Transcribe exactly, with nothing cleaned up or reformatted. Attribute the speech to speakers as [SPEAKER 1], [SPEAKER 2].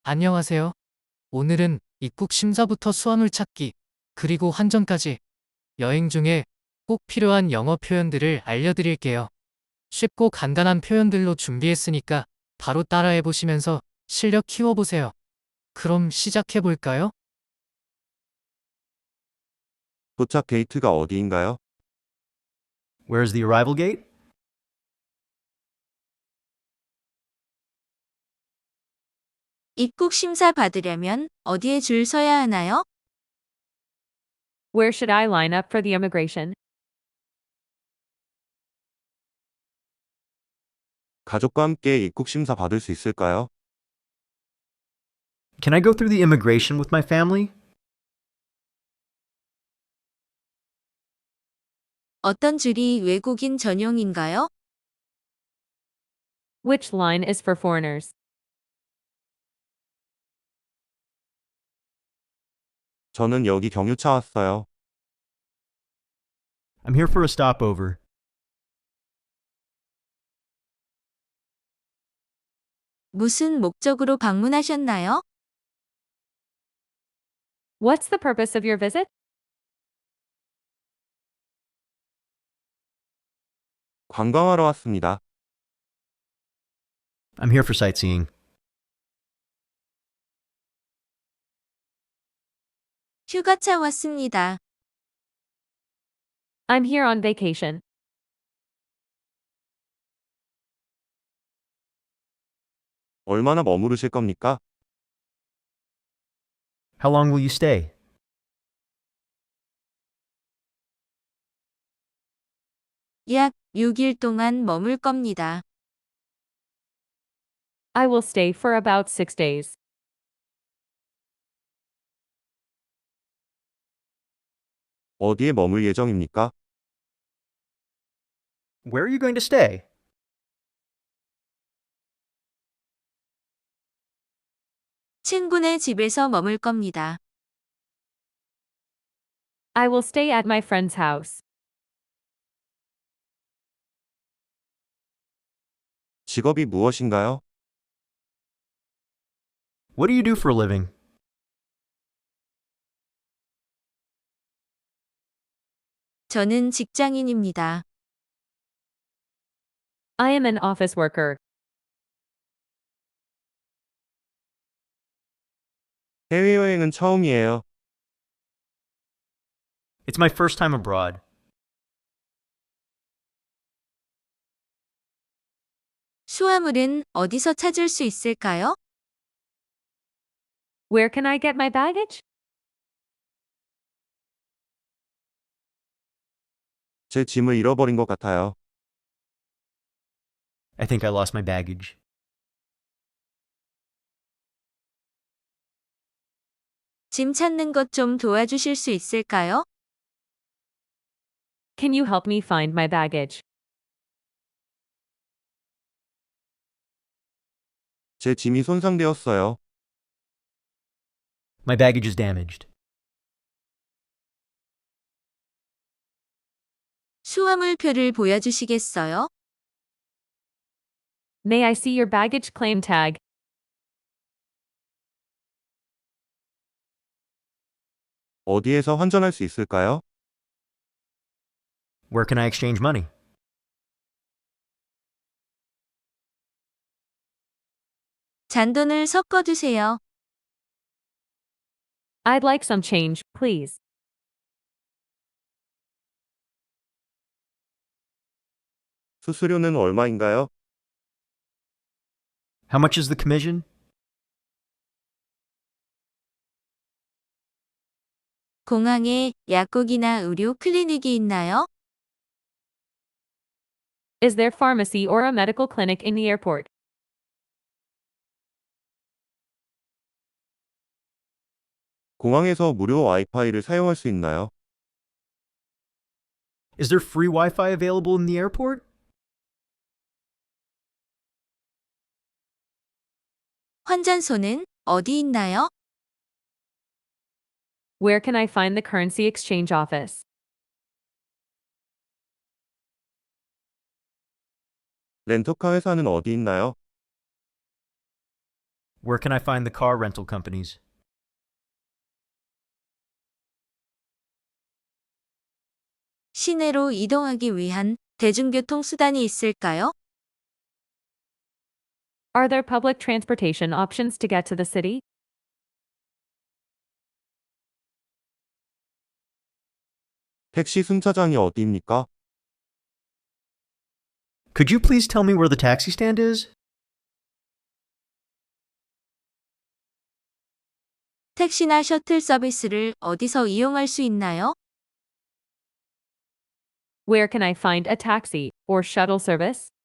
[SPEAKER 1] 안녕하세요. 오늘은 입국 심사부터 수화물 찾기, 그리고 환전까지 여행 중에 꼭 필요한 영어 표현들을 알려드릴게요. 쉽고 간단한 표현들로 준비했으니까 바로 따라해 보시면서 실력 키워보세요. 그럼 시작해 볼까요?
[SPEAKER 2] 도착 게이트가 어디인가요?
[SPEAKER 3] Where's the arrival gate?
[SPEAKER 4] 입국 심사 받으려면 어디에 줄 서야 하나요?
[SPEAKER 5] Where should I line up for the immigration?
[SPEAKER 2] 가족과 함께 입국 심사 받을 수 있을까요?
[SPEAKER 3] Can I go through the immigration with my family?
[SPEAKER 4] 어떤 줄이 외국인 전용인가요?
[SPEAKER 5] Which line is for foreigners?
[SPEAKER 2] 저는 여기 경유차 왔어요.
[SPEAKER 3] I'm here for a stopover.
[SPEAKER 4] 무슨 목적으로 방문하셨나요?
[SPEAKER 5] What's the purpose of your visit?
[SPEAKER 2] 관광하러 왔습니다.
[SPEAKER 3] I'm here for sightseeing.
[SPEAKER 4] 휴가차 왔습니다.
[SPEAKER 5] I'm here on vacation.
[SPEAKER 2] 얼마나 머무르실 겁니까?
[SPEAKER 3] How long will you stay?
[SPEAKER 4] 약 육 일 동안 머물 겁니다.
[SPEAKER 5] I will stay for about six days.
[SPEAKER 2] 어디에 머물 예정입니까?
[SPEAKER 3] Where are you going to stay?
[SPEAKER 4] 친구네 집에서 머물 겁니다.
[SPEAKER 5] I will stay at my friend's house.
[SPEAKER 2] 직업이 무엇인가요?
[SPEAKER 3] What do you do for a living?
[SPEAKER 4] 저는 직장인입니다.
[SPEAKER 5] I am an office worker.
[SPEAKER 2] 해외여행은 처음이에요.
[SPEAKER 3] It's my first time abroad.
[SPEAKER 4] 수화물은 어디서 찾을 수 있을까요?
[SPEAKER 5] Where can I get my baggage?
[SPEAKER 2] 제 짐을 잃어버린 것 같아요.
[SPEAKER 3] I think I lost my baggage.
[SPEAKER 4] 짐 찾는 것 좀 도와주실 수 있을까요?
[SPEAKER 5] Can you help me find my baggage?
[SPEAKER 2] 제 짐이 손상되었어요.
[SPEAKER 3] My baggage is damaged.
[SPEAKER 4] 수화물표를 보여주시겠어요?
[SPEAKER 5] May I see your baggage claim tag?
[SPEAKER 2] 어디에서 환전할 수 있을까요?
[SPEAKER 3] Where can I exchange money?
[SPEAKER 4] 잔돈을 섞어두세요.
[SPEAKER 5] I'd like some change, please.
[SPEAKER 2] 수수료는 얼마인가요?
[SPEAKER 3] How much is the commission?
[SPEAKER 4] 공항에 약국이나 의료 클리닉이 있나요?
[SPEAKER 5] Is there pharmacy or a medical clinic in the airport?
[SPEAKER 2] 공항에서 무료 와이파이를 사용할 수 있나요?
[SPEAKER 3] Is there free Wi-Fi available in the airport?
[SPEAKER 4] 환전소는 어디 있나요?
[SPEAKER 5] Where can I find the currency exchange office?
[SPEAKER 2] 렌터카 회사는 어디 있나요?
[SPEAKER 3] Where can I find the car rental companies?
[SPEAKER 4] 시내로 이동하기 위한 대중교통 수단이 있을까요?
[SPEAKER 5] Are there public transportation options to get to the city?
[SPEAKER 2] 택시 승차장이 어디입니까?
[SPEAKER 3] Could you please tell me where the taxi stand is?
[SPEAKER 4] 택시나 셔틀 서비스를 어디서 이용할 수 있나요?
[SPEAKER 5] Where can I find a taxi or shuttle service?